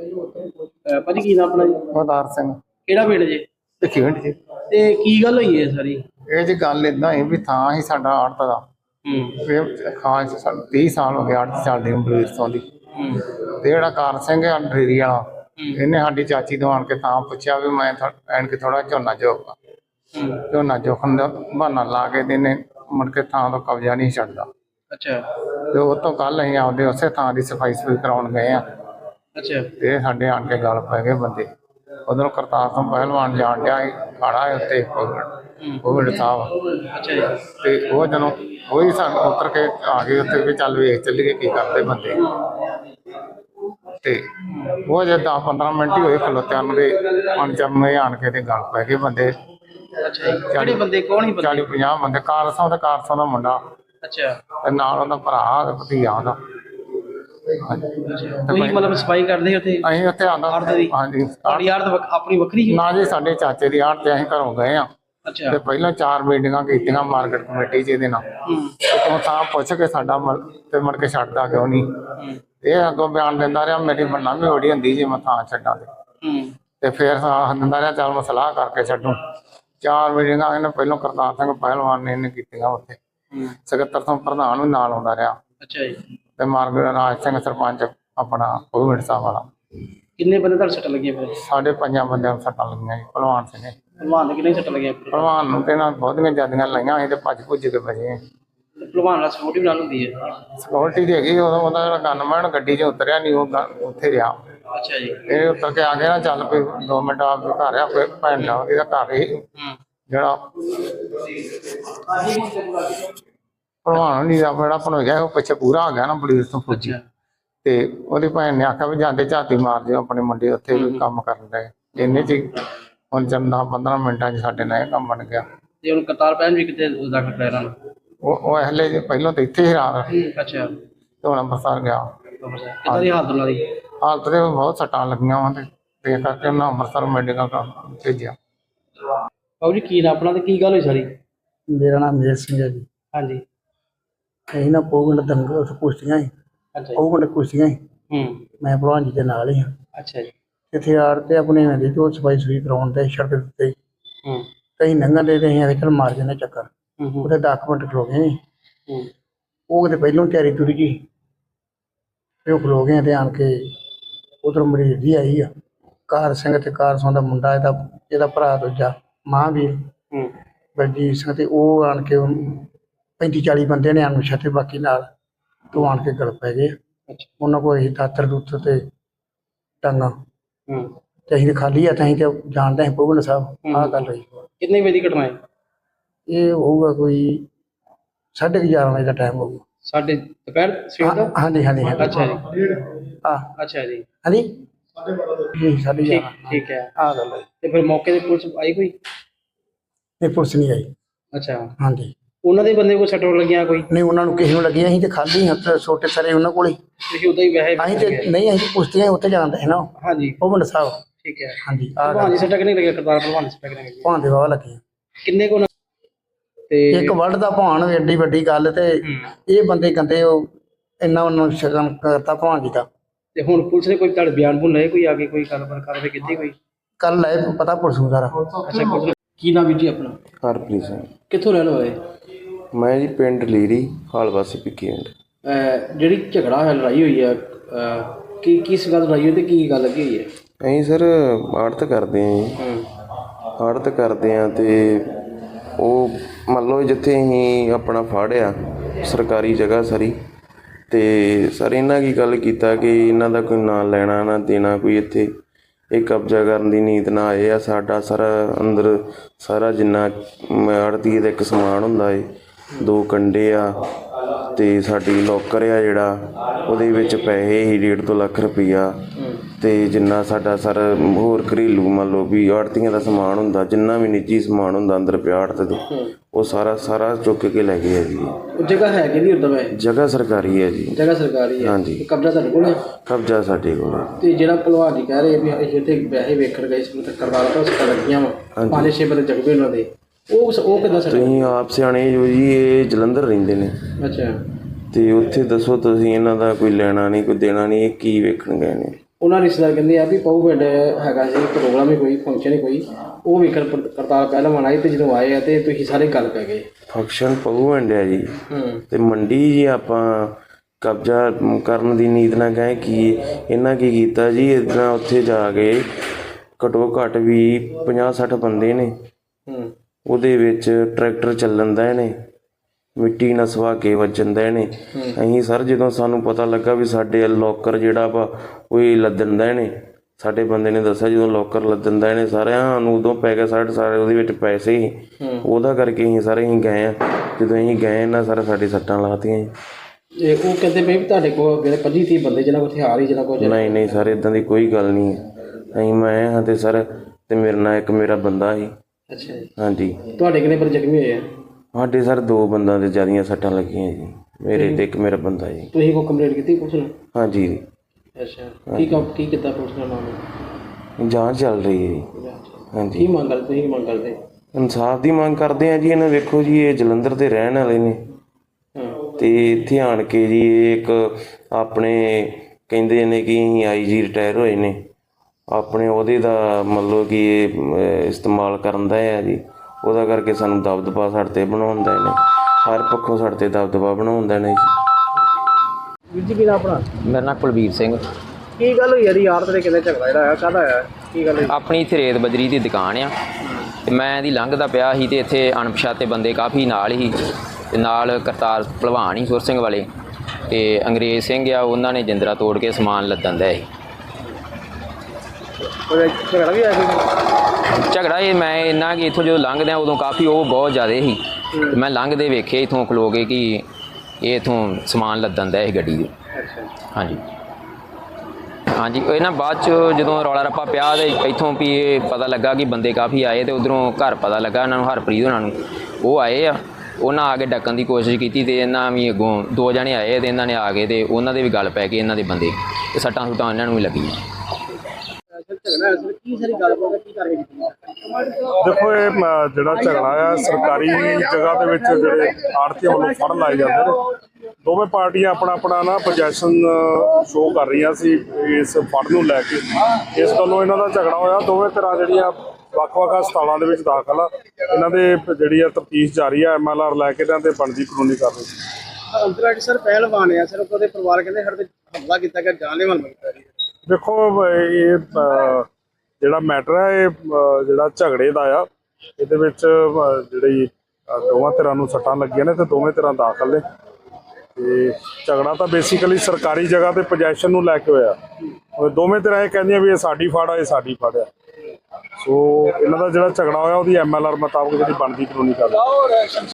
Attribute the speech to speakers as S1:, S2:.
S1: ਭਾਜੀ ਕੀ ਨਾਮ ਆਪਣਾ ਜੀ?
S2: ਅਵਤਾਰ ਸਿੰਘ
S1: ਕਿਹੜਾ ਪਿੰਡ ਜੇ?
S2: ਖੇਡ ਜੀ।
S1: ਤੇ ਕੀ ਗੱਲ ਹੋਈ ਹੈ ਸਾਰੀ?
S2: ਇਹ ਜੀ ਗੱਲ ਇਦਾਂ ਹੀ ਵੀ ਥਾਂ ਹੀ ਸਾਡਾ ਆੜਤ ਦਾ। ਇਹ ਖਾਂ 30 ਸਾਲ ਹੋ ਗਏ ਆੜਤ ਚੱਲਦੀ ਨੂੰ ਬਲਵੀਰ ਤੋਂ ਦੀ। ਤੇ ਜਿਹੜਾ ਕਾਰ ਸਿੰਘ ਹੈ ਡੇਰੀ ਵਾਲਾ, ਇਹਨੇ ਸਾਡੀ ਚਾਚੀ ਤੋਂ ਆਣ ਕੇ ਥਾਂ ਪੁੱਛਿਆ ਵੀ ਮੈਂ ਐਨ ਕੇ ਥੋੜਾ ਝੋਨਾ ਜੋਗਾ। ਝੋਨਾ ਜੋਖਣ ਦਾ ਬਹਾਨਾ ਲਾ ਕੇ ਤੇ ਇਹਨੇ ਮੁੜ ਕੇ ਥਾਂ ਤੋਂ ਕਬਜ਼ਾ ਨਹੀਂ ਛੱਡਦਾ।
S1: ਅੱਛਾ।
S2: ਤੇ ਉਹ ਤੋਂ ਕੱਲ ਅਸੀਂ ਆਪਦੇ ਉਸੇ ਥਾਂ ਦੀ ਸਫਾਈ ਕਰਾਉਣ ਗਏ ਆ।
S1: ਅੱਛਾ।
S2: ਇਹ ਸਾਡੇ ਆਣ ਕੇ ਗੱਲ ਪੈ ਗਏ ਬੰਦੇ। ਉਧਰੋਂ ਕਰਤਾਰ ਤੋਂ ਪਹਿਲਵਾਨ ਜਾਣ ਡਿਆ ਖਾੜਾ ਹੈ ਉੱਤੇ ਕੋਵਿਡ ਸਾਹਿਬ।
S1: ਅੱਛਾ ਜੀ।
S2: ਤੇ ਉਹ ਜਦੋਂ ਉਹੀ ਸਾਨੂੰ ਉਤਰ ਕੇ ਆ ਗਏ ਉੱਥੇ ਵੀ ਚੱਲ ਵੇਖ ਚੱਲੀਏ ਕੀ ਕਰਦੇ ਬੰਦੇ। ਤੇ ਉਹ ਜੇ 10-15 ਮਿੰਟ ਹੀ ਹੋਏ ਖਲੋਤਿਆਂ ਨੂੰ ਤੇ ਪੰਜ ਆਣ ਕੇ ਤੇ ਗੱਲ ਪੈ ਗਏ ਬੰਦੇ।
S1: ਅੱਛਾ ਜੀ। ਕਿਹੜੇ ਬੰਦੇ? ਕੌਣ ਸੀ ਬੰਦੇ?
S2: 40-50 ਬੰਦੇ। ਕਾਰਸੋਂ ਦਾ ਮੁੰਡਾ।
S1: ਅੱਛਾ।
S2: ਤੇ ਨਾਲ ਉਹਦਾ ਭਰਾ ਤੇ ਭਤੀਆ ਉਹਦਾ।
S1: ਤੁਸੀਂ ਮਤਲਬ ਸਫਾਈ ਕਰਦੇ ਉੱਥੇ?
S2: ਅਸੀਂ ਉੱਥੇ ਆਉਂਦਾ। ਹਾਂਜੀ।
S1: ਤੁਹਾਡੀ ਆੜਤ ਆਪਣੀ ਵੱਖਰੀ
S2: ਨਾ ਜੀ, ਸਾਡੇ ਚਾਚੇ ਦੀ ਆੜਤ ਤੇ ਅਸੀਂ ਘਰੋਂ ਗਏ ਆ।
S1: ਅੱਛਾ।
S2: ਤੇ ਪਹਿਲਾਂ 4 ਮੀਟਿੰਗਾਂ ਕੀਤੀਆਂ ਮਾਰਕੀਟ ਕਮੇਟੀ 'ਚ ਇਹਦੇ ਨਾਲ। ਉਹ ਤਾਂ ਪੁੱਛ ਕੇ ਸਾਡਾ ਤੇ ਮੁੜ ਕੇ ਛੱਡਦਾ ਕਿਉਂ ਨਹੀਂ। ਇਹ ਅੱਗੋਂ ਬਿਆਨ ਦਿੰਦਾ ਰਿਹਾ ਮੇਰੀ ਬਦਨਾਮੀ ਬੜੀ ਹੁੰਦੀ ਜੇ ਮੈਂ ਥਾਂ ਛੱਡਾਂ ਤੇ ਫਿਰ ਦਿੰਦਾ ਰਿਹਾ ਚੱਲ ਮੈਂ ਸਲਾਹ ਕਰਕੇ ਛੱਡੂ। 4 ਮੀਟਿੰਗਾਂ ਇਹਨੇ ਪਹਿਲਾਂ ਕਰਤਾਰ ਸਿੰਘ ਪਹਿਲਵਾਨ ਨੇ ਇਹਨੇ ਕੀਤੀਆਂ ਉੱਥੇ। ਸਕੱਤਰ ਤੋਂ ਪ੍ਰਧਾਨ ਵੀ ਨਾਲ ਆਉਂਦਾ ਰਿਹਾ।
S1: ਅੱਛਾ ਜੀ।
S2: ਤੇ ਮਾਰਕੀਟ ਰਾਜ ਸਿੰਘ ਸਰਪੰਚ ਆਪਣਾ ਕੋਵਿਡ ਸਾਹਿਬ ਵਾਲਾ।
S1: ਕਿੰਨੇ ਬੰਦੇ ਤੁਹਾਡੇ ਸੱਟ ਲੱਗੀਆਂ ਫਿਰ?
S2: ਸਾਡੇ 5 ਬੰਦਿਆਂ ਨੂੰ ਸੱਟਾਂ ਲੱਗੀਆਂ ਜੀ। ਭਲਵਾਨ ਸਿੰਘ
S1: ਭਲਵਾਨ ਦੇ ਕਿੰਨੇ ਸੱਟ ਲੱਗੀਆਂ?
S2: ਭਲਵਾਨ ਨੂੰ ਤੇ ਨਾਲ ਬਹੁਤੀਆਂ ਜ਼ਿਆਦੀਆਂ ਲਾਈਆਂ। ਅਸੀਂ ਤੇ ਭੱਜ ਭੁੱਜ ਕੇ ਬਚੇ।
S1: ਭਲਵਾਨ ਨਾਲ ਸਪੋਰਟ ਵੀ ਨਾਲ ਹੁੰਦੀ ਹੈ?
S2: ਸਕਿਉਰਟੀ ਦੀ ਹੈਗੀ। ਉਦੋਂ ਉਹਦਾ ਜਿਹੜਾ ਗਨਮੈਨ ਗੱਡੀ 'ਚ ਉਤਰਿਆ ਨਹੀਂ, ਉਹ ਉੱਥੇ ਰਿਹਾ।
S1: ਅੱਛਾ ਜੀ।
S2: ਇਹ ਉੱਤਰ ਕੇ ਆ ਗਿਆ ਨਾ, ਚੱਲ ਪਈ 2 ਮਿੰਟ ਆਪ ਘਰ ਆ। ਫਿਰ ਭੈਣ ਦਾ ਇਹਦਾ ਘਰ ਹੀ ਜਿਹੜਾ ਭਲਵਾਨ ਨਹੀਂ ਦਾ ਬੜਾ ਭਣੋਈਆ ਉਹ ਪਿੱਛੇ ਪੂਰਾ ਆ ਗਿਆ ਨਾ ਪੁਲਿਸ ਤੋਂ ਫੌਜੀ। ਤੇ ਉਹਦੀ ਭੈਣ ਨੇ ਆਖਿਆ ਵੀ ਜਾਂਦੇ ਝਾਤੀ ਮਾਰ ਦਿਓ ਆਪਣੇ ਮੁੰਡੇ ਉੱਥੇ ਵੀ ਕੰਮ ਕਰਨ ਦੇ। ਇੰਨੇ 'ਚ ਹੁਣ 10-15 ਮਿੰਟਾਂ 'ਚ ਸਾਡੇ ਨਾਲ ਇਹ ਕੰਮ ਬਣ ਗਿਆ।
S1: ਤੇ ਹੁਣ ਕਰਤਾਰ ਭੈਣ ਵੀ ਕਿਤੇ ਦਾਖਲ ਕਰਾਇਆ ਨਾ? ਉਹ
S2: ਹਲੇ ਪਹਿਲਾਂ ਤਾਂ ਇੱਥੇ ਹੀ ਰਾਤ।
S1: ਅੱਛਾ।
S2: ਤੇ ਹੁਣ ਅੰਮ੍ਰਿਤਸਰ ਗਿਆ।
S1: ਕਿੱਦਾਂ ਦੀ ਹਾਲਤ ਉਹਨਾਂ ਦੀ?
S2: ਹਾਲਤ ਤੇ ਬਹੁਤ ਸੱਟਾਂ ਲੱਗੀਆਂ ਵਾ ਤੇ ਕਰਕੇ ਉਹਨਾਂ ਅੰਮ੍ਰਿਤਸਰ ਮੈਡੀਕਲ ਭੇਜਿਆ।
S1: ਬਾਬੂ ਜੀ ਕੀ ਨਾਮ ਆਪਣਾ ਤੇ ਕੀ ਗੱਲ ਹੋਈ ਸਾਰੀ?
S3: ਮੇਰਾ ਨਾਮ ਮੇਰ ਸਿੰਘ ਹੈ ਜੀ।
S1: ਹਾਂਜੀ।
S3: ਅਸੀਂ ਨਾ ਪੋਗੰਡ ਦੰਗਲ ਕੁਸ਼ਤੀਆਂ ਸੀ।
S1: ਅੱਛਾ।
S3: ਪੋਗੰਡ ਕੁਸ਼ਤੀਆਂ ਸੀ। ਮੈਂ ਭਲਵਾਨ ਜੀ ਦੇ ਨਾਲ ਹੀ ਹਾਂ।
S1: ਅੱਛਾ ਜੀ।
S3: ਇੱਥੇ ਆੜ ਤੇ ਆਪਣੇ ਨਦੀ ਤੋਂ ਸਫਾਈ ਕਰਾਉਣ ਦੇ ਸੜਕ ਦਿੱਤੇ। ਕਈ ਨੰਗਾਂ ਦੇ ਅਸੀਂ ਆਖਿਆ ਚੱਲ ਮਾਰ ਜਾਂਦੇ ਚੱਕਰ। ਉਹਦੇ 10 ਮਿੰਟ ਖਲੋ ਗਏ। ਉਹ ਕਿਤੇ ਪਹਿਲੋਂ ਤਿਆਰੀ ਤੁਰੀ ਗਈ। ਫਿਰ ਉਹ ਖਲੋ ਗਏ ਤੇ ਆਣ ਕੇ ਉਧਰੋਂ ਮਰੀਜ਼ ਜੀ ਆਈ ਆ ਕਾਰ ਸਿੰਘ ਤੇ ਕਾਰਸੋਂ ਦਾ ਮੁੰਡਾ ਇਹਦਾ ਭਰਾ ਦੂਜਾ ਮਹਾਂਵੀਰ ਬਲਜੀਤ ਸਿੰਘ। ਤੇ ਉਹ ਆਣ ਕੇ 35-40 ਬੰਦੇ ਨੇ ਆਣ ਛੱਤੇ ਬਾਕੀ ਨਾਲ ਤੋਂ ਆਣ ਕੇ ਗਲ ਪੈ ਗਏ। ਉਹਨਾਂ ਕੋਲ ਅਸੀਂ ਦਾਤਰ ਦੂਤਰ ਤੇ ਟਾਂਗਾ ਤੇ ਅਸੀਂ ਖਾਲੀ ਆ। ਤਾਂ ਅਸੀਂ ਤੇ ਜਾਣਦੇ ਹਾਂ ਪੋਗੰਡ ਸਾਹਿਬ। ਆਹ ਗੱਲ ਹੋਈ।
S1: ਕਿੰਨੇ ਵਜੇ ਦੀ ਘਟਨਾ ਹੈ
S3: ਇਹ? ਹੋਊਗਾ ਕੋਈ 11:30 ਵਜੇ ਦਾ ਟਾਈਮ ਹੋਊਗਾ।
S1: ਸਾਡੇ ਦੁਪਹਿਰ ਸਵੇਰ ਦਾ?
S3: ਹਾਂਜੀ।
S1: ਅੱਛਾ ਜੀ। ਅੱਛਾ ਜੀ।
S3: ਹਾਂਜੀ ਜੀ 11:30।
S1: ਠੀਕ ਹੈ।
S3: ਆਹ ਗੱਲ ਹੈ।
S1: ਤੇ ਫਿਰ ਮੌਕੇ ਤੇ ਪੁਲਿਸ ਆਈ ਕੋਈ?
S3: ਇਹ ਪੁਲਿਸ ਨਹੀਂ ਆਈ।
S1: ਅੱਛਾ।
S3: ਹਾਂਜੀ।
S1: ਉਹਨਾਂ ਦੇ ਬੰਦੇ ਕੋਈ ਸੱਟ ਲੱਗੀਆਂ ਕੋਈ?
S3: ਨਹੀਂ, ਉਹਨਾਂ ਨੂੰ ਕਿਸੇ ਨੂੰ ਲੱਗੀਆਂ। ਅਸੀਂ ਤੇ ਖਾਲੀ ਹੱਥ ਛੋਟੇ ਸਾਰੇ ਉਹਨਾਂ ਕੋਲ ਹੀ।
S1: ਤੁਸੀਂ ਉਦਾਂ ਹੀ ਵੈਸੇ?
S3: ਅਸੀਂ ਤੇ ਨਹੀਂ, ਅਸੀਂ ਪੁੱਛਦੇ ਉੱਥੇ ਜਾਂਦੇ ਹੈ ਨਾ।
S1: ਹਾਂਜੀ।
S3: ਪੋਗੰਡ ਸਾਹਿਬ।
S1: ਠੀਕ ਹੈ।
S3: ਹਾਂਜੀ।
S1: ਭਲਵਾਨ ਦੀ ਸੱਟਾਂ ਕਿੰਨੇ ਲੱਗੀਆਂ? ਕਰਤਾਰ ਭਲਵਾਨ ਦੀ ਸੱਟਾਂ ਕਿੰਨੇ ਲੱਗੀਆਂ?
S3: ਭਾਂ ਦੇ ਵਾਹ ਲੱਗੇ।
S1: ਕਿੰਨੇ ਕੋ? ਤੇ
S3: ਇੱਕ ਵਰਡ ਦਾ ਭਾਣ ਐਡੀ ਵੱਡੀ ਗੱਲ। ਤੇ ਇਹ ਬੰਦੇ ਗੰਦੇ ਉਹ ਇੰਨਾ ਉਹਨਾਂ ਨੂੰ ਸ਼ਗਨ ਕਰਤਾ ਭਾਂ ਜੀ ਦਾ।
S1: ਤੇ ਹੁਣ ਪੁਲਿਸ ਨੇ ਕੋਈ ਤੁਹਾਡੇ ਬਿਆਨ ਬੁਨ ਲਏ? ਕੋਈ ਆ ਕੇ ਕੋਈ ਕਾਰਵਾਈ ਕੀਤੀ ਕੋਈ?
S3: ਕੱਲ ਲੈ ਪਤਾ ਪੁਲਿਸ ਨੂੰ ਸਾਰਾ।
S1: ਅੱਛਾ। ਪੁਲਿਸ ਕੀ ਨਾਮ ਜੀ ਆਪਣਾ?
S4: ਹਰਪ੍ਰੀਤ ਸਿੰਘ।
S1: ਕਿੱਥੋਂ ਰਹਿਣ ਵਾਲੇ?
S4: ਮੈਂ ਜੀ ਪਿੰਡ ਲੀਰੀ ਹਾਲਵਾਸੀ ਪਿੱਕੀਐਂਡ।
S1: ਜਿਹੜੀ ਝਗੜਾ ਹੈ, ਲੜਾਈ ਹੋਈ ਹੈ, ਕਿਸ ਗੱਲ ਲੜਾਈ ਹੋਈ ਤੇ ਕੀ ਗੱਲ ਅੱਗੇ ਹੋਈ ਹੈ?
S4: ਅਸੀਂ ਸਰ ਆੜਤ ਕਰਦੇ ਹਾਂ ਜੀ। ਆੜਤ ਕਰਦੇ ਹਾਂ ਤੇ ਉਹ ਮੰਨ ਲਓ ਜਿੱਥੇ ਅਸੀਂ ਆਪਣਾ ਫਾੜਿਆ ਸਰਕਾਰੀ ਜਗ੍ਹਾ ਸਾਰੀ। ਤੇ ਸਰ ਇਹਨਾਂ ਕੀ ਗੱਲ ਕੀਤਾ ਕਿ ਇਹਨਾਂ ਦਾ ਕੋਈ ਨਾਂ ਲੈਣਾ ਨਾ ਦੇਣਾ, ਕੋਈ ਇੱਥੇ ਇਹ ਕਬਜ਼ਾ ਕਰਨ ਦੀ ਨੀਤ ਨਾ ਆਏ ਆ। ਸਾਡਾ ਸਾਰਾ ਅੰਦਰ ਸਾਰਾ ਜਿੰਨਾ ਆੜਤੀ ਦਾ ਇੱਕ ਸਮਾਨ ਹੁੰਦਾ ਏ, 2 ਕੰਡੇ ਆ ਤੇ ਸਾਡੀ ਲੋਕਰ ਆ ਜਿਹੜਾ ਉਹਦੇ ਵਿੱਚ ਪੈਸੇ ਹੀ 1.5 ਲੱਖ ਰੁਪਈਆ। ਤੇ ਜਿੰਨਾ ਸਾਡਾ ਸਰ ਹੋਰ ਘਰੇਲੂ ਮੰਨ ਲਓ ਵੀ ਆੜਤੀਆਂ ਦਾ ਸਮਾਨ ਹੁੰਦਾ, ਜਿੰਨਾ ਵੀ ਨਿੱਜੀ ਸਮਾਨ ਹੁੰਦਾ ਅੰਦਰ ਪਿਆ ਆੜਤ ਦੇ, ਉਹ ਸਾਰਾ ਚੁੱਕ ਕੇ ਲੈ ਗਏ ਆ ਜੀ।
S1: ਉਹ ਜਗ੍ਹਾ ਹੈ ਕਿਹਦੀ ਉਦੋਂ?
S4: ਜਗ੍ਹਾ ਸਰਕਾਰੀ ਹੈ ਜੀ।
S1: ਜਗ੍ਹਾ ਸਰਕਾਰੀ ਹੈ? ਹਾਂਜੀ। ਕਬਜ਼ਾ ਤੁਹਾਡੇ ਕੋਲ ਹੈ? ਕਬਜ਼ਾ
S4: ਸਾਡੇ ਕੋਲ ਹੈ।
S1: ਤੇ ਜਿਹੜਾ ਭਲਵਾਨ ਜੀ ਕਹਿ ਰਹੇ ਵੀ ਜਿੱਥੇ ਪੈਸੇ ਵੇਖਣ ਗਏ ਸੀ ਕਰਵਾ ਲਓ ਸੱਟਾਂ ਲੱਗੀਆਂ ਵਾ, 5-6 ਬੰਦੇ ਜ਼ਖਮੀ ਉਹਨਾਂ ਦੇ, ਉਹ ਕਿੱਦਾਂ?
S4: ਤੁਸੀਂ ਆਪ ਸਿਆਣੇ ਜੋ ਜੀ, ਇਹ ਜਲੰਧਰ ਰਹਿੰਦੇ ਨੇ।
S1: ਅੱਛਾ।
S4: ਤੇ ਉੱਥੇ ਦੱਸੋ ਤੁਸੀਂ ਇਹਨਾਂ ਦਾ ਕੋਈ ਲੈਣਾ ਨਹੀਂ ਕੋਈ ਦੇਣਾ ਨਹੀਂ, ਇਹ ਕੀ ਵੇਖਣ ਗਏ ਨੇ?
S1: ਉਹਨਾਂ ਰਿਸ਼ਤੇਦਾਰ ਕਹਿੰਦੇ ਆ ਵੀ ਪਊ ਪਿੰਡ ਹੈਗਾ ਸੀ ਪ੍ਰੋਗਰਾਮ ਹੀ ਕੋਈ ਫੰਕਸ਼ਨ ਹੀ ਕੋਈ, ਉਹ ਵੇਖਣ ਕਰਤਾਰ ਪਹਿਲਵਾਨ ਆਏ ਤੇ ਜਦੋਂ ਆਏ ਆ ਤੇ ਤੁਸੀਂ ਸਾਰੇ ਗੱਲ ਪੈ ਗਏ।
S4: ਫੰਕਸ਼ਨ ਪਊ ਵੰਡਿਆ ਜੀ
S1: ਹੂੰ
S4: ਤੇ ਮੰਡੀ ਜੀ ਆਪਾਂ ਕਬਜ਼ਾ ਕਰਨ ਦੀ ਨੀਤ ਨਾਲ ਗਏ। ਕੀ ਇਹਨਾਂ ਕੀ ਕੀਤਾ ਜੀ, ਇੱਦਾਂ ਉੱਥੇ ਜਾ ਕੇ ਘੱਟੋ ਘੱਟ ਵੀ 50-60 ਬੰਦੇ ਨੇ,
S1: ਹੂੰ
S4: ਉਹਦੇ ਵਿੱਚ ਟਰੈਕਟਰ ਚੱਲਣ ਦੇ ਨੇ, ਮਿੱਟੀ ਨਾਲ ਸੁਹਾ ਕੇ ਵੱਜਣ ਦੇ ਨੇ। ਅਸੀਂ ਸਰ ਜਦੋਂ ਸਾਨੂੰ ਪਤਾ ਲੱਗਾ ਵੀ ਸਾਡੇ ਲੋਕਰ ਜਿਹੜਾ ਵਾ ਉਹ ਲੱਦਣ ਦੇ ਨੇ, ਸਾਡੇ ਬੰਦੇ ਨੇ ਦੱਸਿਆ ਜਦੋਂ ਲੋਕਰ ਲੱਦਣ ਦੇ ਨੇ ਸਾਰਿਆਂ ਨੂੰ, ਉਦੋਂ ਪੈ ਗਿਆ ਸਾਰੇ ਉਹਦੇ ਵਿੱਚ ਪੈਸੇ ਸੀ, ਉਹਦਾ ਕਰਕੇ ਅਸੀਂ ਸਾਰੇ ਅਸੀਂ ਗਏ ਹਾਂ। ਜਦੋਂ ਅਸੀਂ ਗਏ ਨਾ ਸਾਰੇ ਸਾਡੇ ਸੱਟਾਂ ਲਾਤੀਆਂ ਜੀ।
S1: ਤੇ ਉਹ ਕਹਿੰਦੇ ਵੀ ਤੁਹਾਡੇ ਕੋਲ 25-30 ਬੰਦੇ ਜਿਹਨਾਂ ਕੋਲ ਹਥਿਆਰ ਹੀ ਜਿਹਨਾਂ ਕੋਲ।
S4: ਨਹੀਂ ਸਰ ਇਦਾਂ ਦੀ ਕੋਈ ਗੱਲ ਨਹੀਂ। ਅਸੀਂ ਮੈਂ ਹਾਂ ਤੇ ਸਰ ਤੇ ਮੇਰੇ ਨਾਲ ਇੱਕ ਮੇਰਾ ਬੰਦਾ ਸੀ।
S1: ਅੱਛਾ ਜੀ।
S4: ਹਾਂਜੀ।
S1: ਤੁਹਾਡੇ ਕਿੰਨੇ ਬੰਦੇ ਜ਼ਖਮੀ ਹੋਏ ਆ?
S4: ਸਾਡੇ ਸਰ 2 ਬੰਦਾਂ ਦੇ ਜ਼ਿਆਦੀਆਂ ਸੱਟਾਂ ਲੱਗੀਆਂ ਜੀ, ਮੇਰੇ ਤੇ ਇੱਕ ਮੇਰਾ ਬੰਦਾ ਜੀ।
S1: ਤੁਸੀਂ ਕੋਈ ਕੰਪਲੇਂਟ ਕੀਤੀ ਪੁਲਿਸ ਨੂੰ?
S4: ਹਾਂਜੀ।
S1: ਅੱਛਾ ਕੀ ਕੀਤਾ ਪੁਲਿਸ ਨੇ ਮਾਮਲਾ?
S4: ਜਾਂਚ ਚੱਲ ਰਹੀ ਹੈ ਜੀ।
S1: ਕੀ
S4: ਹਾਂਜੀ।
S1: ਮੰਗ ਕਰਦੇ ਤੁਸੀਂ? ਕੀ ਮੰਗ ਕਰਦੇ?
S4: ਇਨਸਾਫ ਦੀ ਮੰਗ ਕਰਦੇ ਆ ਜੀ। ਇਹਨਾਂ ਵੇਖੋ ਜੀ ਇਹ ਜਲੰਧਰ ਦੇ ਰਹਿਣ ਵਾਲੇ ਨੇ ਤੇ ਇੱਥੇ ਆਣ ਕੇ ਜੀ ਇੱਕ ਆਪਣੇ ਕਹਿੰਦੇ ਨੇ ਕਿ ਅਸੀਂ IG ਰਿਟਾਇਰ ਹੋਏ ਨੇ, ਆਪਣੇ ਉਹਦੇ ਦਾ ਮਤਲਬ ਕਿ ਇਹ ਇਸਤੇਮਾਲ ਕਰਨ ਦਾ ਹੈ ਜੀ। ਉਹਦਾ ਕਰਕੇ ਸਾਨੂੰ ਦਬਦਬਾ ਸਾਡੇ 'ਤੇ ਬਣਾਉਂਦੇ ਨੇ, ਹਰ ਪੱਖੋਂ ਸਾਡੇ 'ਤੇ ਦਬਦਬਾ ਬਣਾਉਂਦੇ ਨੇ ਜੀ।
S1: ਵੀਰ ਜੀ ਕੀ ਨਾਮ ਆਪਣਾ?
S5: ਮੇਰਾ ਨਾਮ ਕੁਲਬੀਰ ਸਿੰਘ।
S1: ਕੀ ਗੱਲ ਹੋਈ ਯਾਰ ਯਾਰ ਤੇ ਕਿਤੇ ਝਗੜਾ ਜਿਹੜਾ ਆਇਆ ਕਾਹਦਾ ਆਇਆ? ਕੀ ਗੱਲ ਹੋਈ?
S5: ਆਪਣੀ ਇੱਥੇ ਰੇਤ ਬਜਰੀ ਦੀ ਦੁਕਾਨ ਆ ਤੇ ਮੈਂ ਇਹਦੀ ਲੰਘਦਾ ਪਿਆ ਸੀ ਤੇ ਇੱਥੇ ਅਣਪਛਾਤੇ ਬੰਦੇ ਕਾਫੀ ਨਾਲ ਹੀ ਤੇ ਨਾਲ ਕਰਤਾਰ ਭਲਵਾਨ ਹੀ ਸੁਰ ਸਿੰਘ ਵਾਲੇ ਤੇ ਅੰਗਰੇਜ਼ ਸਿੰਘ ਆ, ਉਹਨਾਂ ਨੇ ਜਿੰਦਰਾ ਤੋੜ ਕੇ ਸਮਾਨ ਲੱਦਣ ਦਾ ਸੀ।
S1: ਝਗੜਾ ਵੀ ਆਇਆ ਕੋਈ?
S5: ਝਗੜਾ ਇਹ ਮੈਂ ਇੰਨਾ ਕਿ ਇੱਥੋਂ ਜਦੋਂ ਲੰਘਦਿਆਂ ਉਦੋਂ ਕਾਫੀ ਉਹ ਬਹੁਤ ਜ਼ਿਆਦਾ ਸੀ। ਮੈਂ ਲੰਘਦੇ ਵੇਖੇ ਇੱਥੋਂ ਖਲੋ ਕੇ ਕਿ ਇਹ ਇੱਥੋਂ ਸਮਾਨ ਲੱਦਣ ਦਾ ਸੀ ਗੱਡੀ ਦੀ। ਹਾਂਜੀ ਇਹ ਨਾ ਬਾਅਦ 'ਚ ਜਦੋਂ ਰੌਲਾ ਰੱਪਾ ਪਿਆ ਤੇ ਇੱਥੋਂ ਵੀ ਇਹ ਪਤਾ ਲੱਗਾ ਕਿ ਬੰਦੇ ਕਾਫੀ ਆਏ ਤੇ ਉੱਧਰੋਂ ਘਰ ਪਤਾ ਲੱਗਾ ਇਹਨਾਂ ਨੂੰ, ਹਰਪ੍ਰੀਤ ਉਹਨਾਂ ਨੂੰ, ਉਹ ਆਏ ਆ। ਉਹਨਾਂ ਆ ਕੇ ਡੱਕਣ ਦੀ ਕੋਸ਼ਿਸ਼ ਕੀਤੀ ਤੇ ਇਹਨਾਂ ਵੀ ਅੱਗੋਂ 2 ਜਣੇ ਆਏ ਤੇ ਇਹਨਾਂ ਨੇ ਆ ਕੇ ਤੇ ਉਹਨਾਂ ਦੇ ਵੀ ਗੱਲ ਪੈ ਗਈ, ਇਹਨਾਂ ਦੇ ਬੰਦੇ ਤੇ ਸੱਟਾਂ ਸੁੱਟਾਂ ਇਹਨਾਂ ਨੂੰ ਵੀ ਲੱਗੀਆਂ।
S6: ਦੇਖੋ ਇਹ ਜਿਹੜਾ ਝਗੜਾ ਆ ਸਰਕਾਰੀ ਜਗ੍ਹਾ ਦੇ ਵਿੱਚ ਜਿਹੜੇ ਆੜ੍ਹਤੀਆਂ ਵੱਲੋਂ ਫੜ ਲਾਏ ਜਾਂਦੇ ਨੇ। ਦੋਵੇਂ ਪਾਰਟੀਆਂ ਆਪਣਾ ਨਾ ਪੋਜੈਸ਼ਨ ਸ਼ੋਅ ਕਰ ਰਹੀਆਂ ਸੀ ਇਸ ਫੜ ਨੂੰ ਲੈ ਕੇ। ਇਸ ਗੱਲੋਂ ਇਹਨਾਂ ਦਾ ਝਗੜਾ ਹੋਇਆ। ਦੋਵੇਂ ਧਿਰਾਂ ਜਿਹੜੀਆਂ ਵੱਖ-ਵੱਖ ਹਸਪਤਾਲਾਂ ਦੇ ਵਿੱਚ ਦਾਖਲ ਆ। ਇਹਨਾਂ ਦੇ ਜਿਹੜੀ ਆ ਤਫਤੀਸ਼ ਜਾਰੀ ਆ। MLR ਲੈ ਕੇ ਇਹਨਾਂ ਤੇ ਬਣਦੀ ਕਾਨੂੰਨੀ ਕਾਰਵਾਈ।
S1: ਅੰਤਰਾ ਸਰ ਪਹਿਲਵਾਨ ਆ ਸਰ, ਉਹਦੇ ਪਰਿਵਾਰ ਕਹਿੰਦੇ ਸਾਡੇ ਤੇ ਹਮਲਾ ਕੀਤਾ ਗਿਆ, ਜਾਨਲੇਵਾ ਹਮਲਾ ਕੀਤਾ ਜੀ।
S6: ਦੇਖੋ ਇਹ ਜਿਹੜਾ ਮੈਟਰ ਹੈ ਇਹ ਜਿਹੜਾ ਝਗੜੇ ਦਾ ਆ, ਇਹਦੇ ਵਿੱਚ ਜਿਹੜੀ ਦੋਵਾਂ ਧਿਰਾਂ ਨੂੰ ਸੱਟਾਂ ਲੱਗੀਆਂ ਨੇ ਤੇ ਦੋਵੇਂ ਧਿਰਾਂ ਦਾਖਲ ਨੇ। ਤੇ ਝਗੜਾ ਤਾਂ ਬੇਸਿਕਲੀ ਸਰਕਾਰੀ ਜਗ੍ਹਾ ਤੇ ਪੋਜੈਸ਼ਨ ਨੂੰ ਲੈ ਕੇ ਹੋਇਆ। ਦੋਵੇਂ ਧਿਰਾਂ ਇਹ ਕਹਿੰਦੀਆਂ ਵੀ ਇਹ ਸਾਡੀ ਫੜ ਆ, ਇਹ ਸਾਡੀ ਫੜ ਆ। ਸੋ ਇਹਨਾਂ ਦਾ ਜਿਹੜਾ ਝਗੜਾ ਹੋਇਆ ਉਹਦੀ MLR ਮੁਤਾਬਕ ਜਿਹੜੀ ਬਣਦੀ ਕਾਨੂੰਨੀ ਕਾਰਵਾਈ।